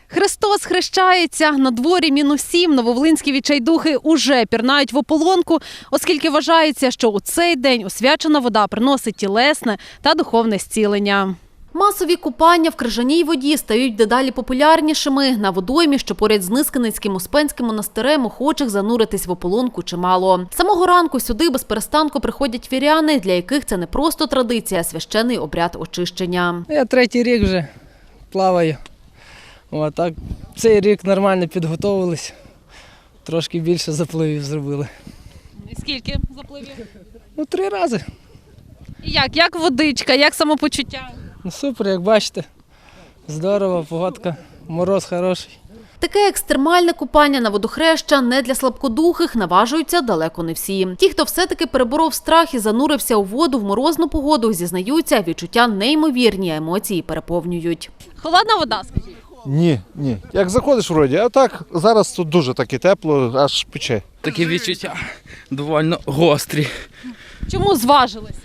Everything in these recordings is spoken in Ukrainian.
Христос хрещається, на дворі -7, нововолинські відчайдухи уже пірнають в ополонку, оскільки вважається, що у цей день освячена вода приносить тілесне та духовне зцілення. Масові купання в крижаній воді стають дедалі популярнішими. На водоймі, що поряд з Нискиницьким Успенським монастирем, охочих зануритись в ополонку чимало. З самого ранку сюди безперестанку приходять віряни, для яких це не просто традиція, а священний обряд очищення. Я третій рік вже плаваю. Так, цей рік нормально підготовились, трошки більше запливів зробили. І скільки запливів? 3 рази. І як водичка, як самопочуття? Супер, як бачите, здорово, погодка, мороз хороший. Таке екстремальне купання на водохреща не для слабкодухих, наважуються далеко не всі. Ті, хто все-таки переборов страх і занурився у воду в морозну погоду, зізнаються, відчуття неймовірні, а емоції переповнюють. Холодна вода, скажіть? Ні. Як заходиш вроді, а так зараз тут дуже таки тепло, аж пече. Такі відчуття доволі гострі. Чому зважилися?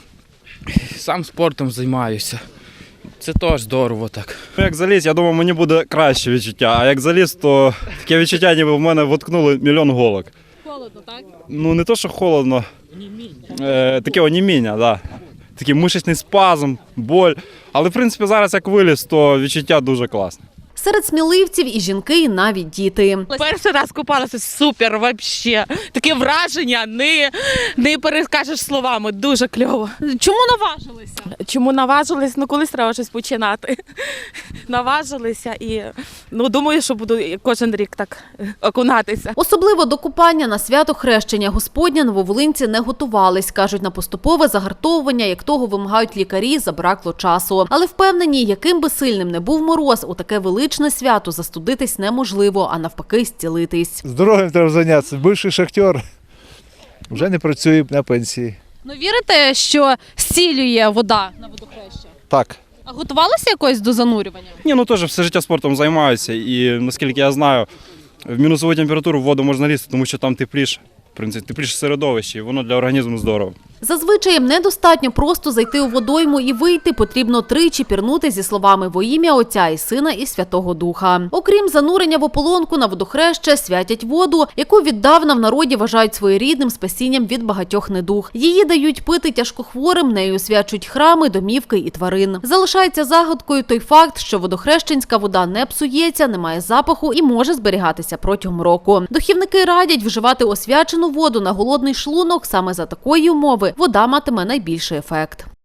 Сам спортом займаюся. Це теж здорово так. Як заліз, я думав, мені буде краще відчуття, а як заліз, то таке відчуття, ніби в мене воткнули мільйон голок. Холодно, так? Не то, що холодно, таке оніміння, да. Такий мишечний спазм, боль. Але, в принципі, зараз як виліз, то відчуття дуже класне. Серед сміливців і жінки, і навіть діти. Перший раз купалася, супер, взагалі. Таке враження, не перескажеш словами, дуже кльово. Чому наважилися? Чому наважились? Колись треба щось починати. Наважилися і думаю, що буду кожен рік так окунатися. Особливо до купання на свято Хрещення Господня нововолинці не готувались. Кажуть, на поступове загартовування, як того вимагають лікарі, забракло часу. Але впевнені, яким би сильним не був мороз, у таке величне свято застудитись неможливо, а навпаки зцілитись. Здоров'ям треба зайнятися. Бивший шахтер вже не працює на пенсії. Вірите, що зцілює вода на водохреща? Так. А готувалися якось до занурювання? Ні, теж все життя спортом займаюся і, наскільки я знаю, в мінусову температуру в воду можна лізти, тому що там тепліше. В принципі, тепліше середовище, і воно для організму здорово. Зазвичай недостатньо просто зайти у водойму і вийти, потрібно тричі пірнути зі словами «Во ім'я Отця і Сина і Святого Духа». Окрім занурення в ополонку, на водохреще святять воду, яку віддавна в народі вважають своєрідним спасінням від багатьох недуг. Її дають пити тяжкохворим, нею освячують храми, домівки і тварин. Залишається загадкою той факт, що водохрещенська вода не псується, не має запаху і може зберігатися протягом року. Духівники радять вживати освячену воду на голодний шлунок, саме за такої умови вода матиме найбільший ефект.